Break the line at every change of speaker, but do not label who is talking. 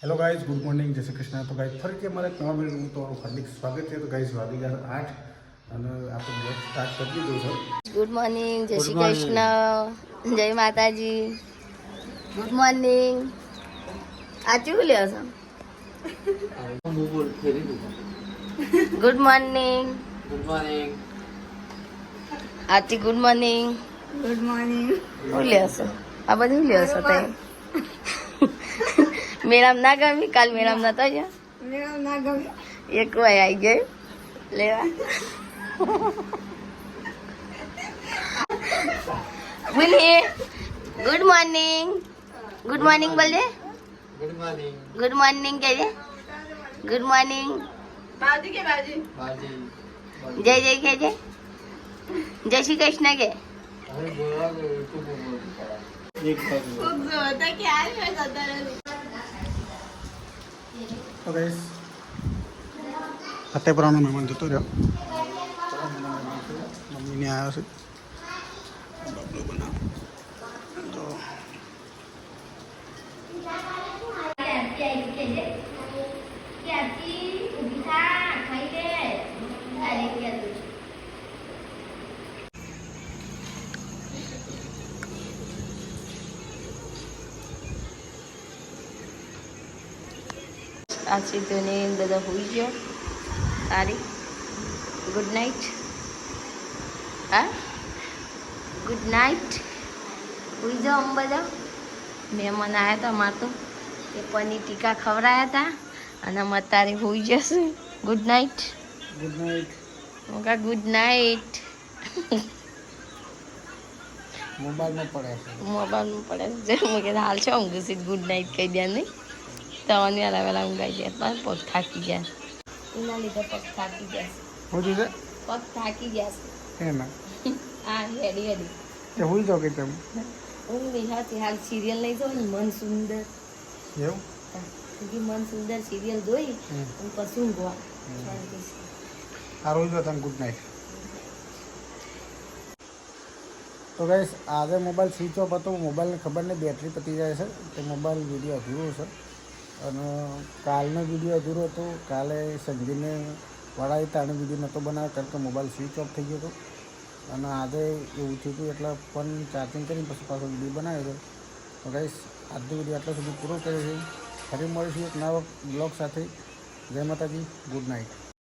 Hello guys, good morning, जय श्री कृष्ण। तो guys ફરીથી અમારે એક નવા વિડીયોનું તો હાર્દિક સ્વાગત છે। તો ગાइस વાગી ગયા 8 અને આપણે બ્લોગ સ્ટાર્ટ કરી દીધો છે।
ગુડ મોર્નિંગ, જય શ્રી કૃષ્ણ, જય માતાજી, ગુડ મોર્નિંગ। આચું લ્યો છો? ગુડ મોર્નિંગ,
ગુડ મોર્નિંગ,
આચી ગુડ મોર્નિંગ,
ગુડ મોર્નિંગ।
શું લ્યો છો? આ બધું લ્યો છો તમે? મેળામ ના ગમી? કાલ મેળામ નતો ગયા?
મેળો ના ગમે।
એક વાર આવી ગયો લેવા। બોલીએ ગુડ મોર્નિંગ, ગુડ મોર્નિંગ બોલે,
ગુડ મોર્નિંગ,
ગુડ મોર્નિંગ કહેજે, ગુડ મોર્નિંગ,
બાજી કે બાજી
બાજી
જય જય કહેજે, જય શ્રી કૃષ્ણ કે।
હવે બોલવા દો તો બોલ એક બાજુ
ખૂબ જોતા કે આ મેં સદરે
તો ગાइस ફતેપુરાનો મહેમાન જતો રહ્યો। મમ્મીને આવ્યો છે બાબલો બનાવ તો
આ સીધુને બધા હોઈ ગયો। તારી ગુડ નાઇટ। હા, ગુડ નાઇટ, હોઈ જાઓ અમે બધા। મહેમાન આવ્યા હતા અમારે તો એ પનીર ટીકા ખવડાયા હતા અને અમે તારે હોઈ જશે। Good night,
good night.
મોકા ગુડ નાઇટ।
મોબાઈલમાં પડે છે
મોબાઈલમાં પડે છે મેં કીધું હાલ છો ઊંઘ છે ગુડ નાઇટ કહી દે નહીં તો વહેલા વહેલા ઊંઘાઈ જાય પણ પગ થાકી જાય એના લીધે પગ થાકી જાય
હું છે
પગ થાકી જાય
એના
હા હેડી હેડી
તે હોઈ જાવ કે તેમ
ઊંઘ નહીં હતી હાલ સિરિયલ નહીં જોઈ ને મન સુંદર
એવું
બીજી મન સુંદર સિરિયલ જોઈ અને પછી ઊંઘવા
આ રોજ તમે ગુડ નાઇટ। તો ગાઈસ આજે મોબાઈલ સ્વિચ ઓફ હતો। મોબાઈલને ખબર નહીં બેટરી પતી જાય છે તો મોબાઈલ વિડીયો અધૂરો છે અને કાલનો વિડીયો અધૂરો હતો। કાલે સંજીને વળાવી તાણે વિડીયો નહોતો બનાવ્યો કારણ કે મોબાઈલ સ્વિચ ઓફ થઈ ગયો હતો અને આજે એવું થયું હતું એટલે ફોન ચાર્જિંગ કરીને પછી પાછો વિડીયો બનાવ્યો હતો। તો ગાઈસ આજનો વિડીયો આટલા સુધી પૂરો કર્યો છે। ફરી મળીશું એક નવા બ્લોગ સાથે। જય માતાજી, ગુડ નાઇટ।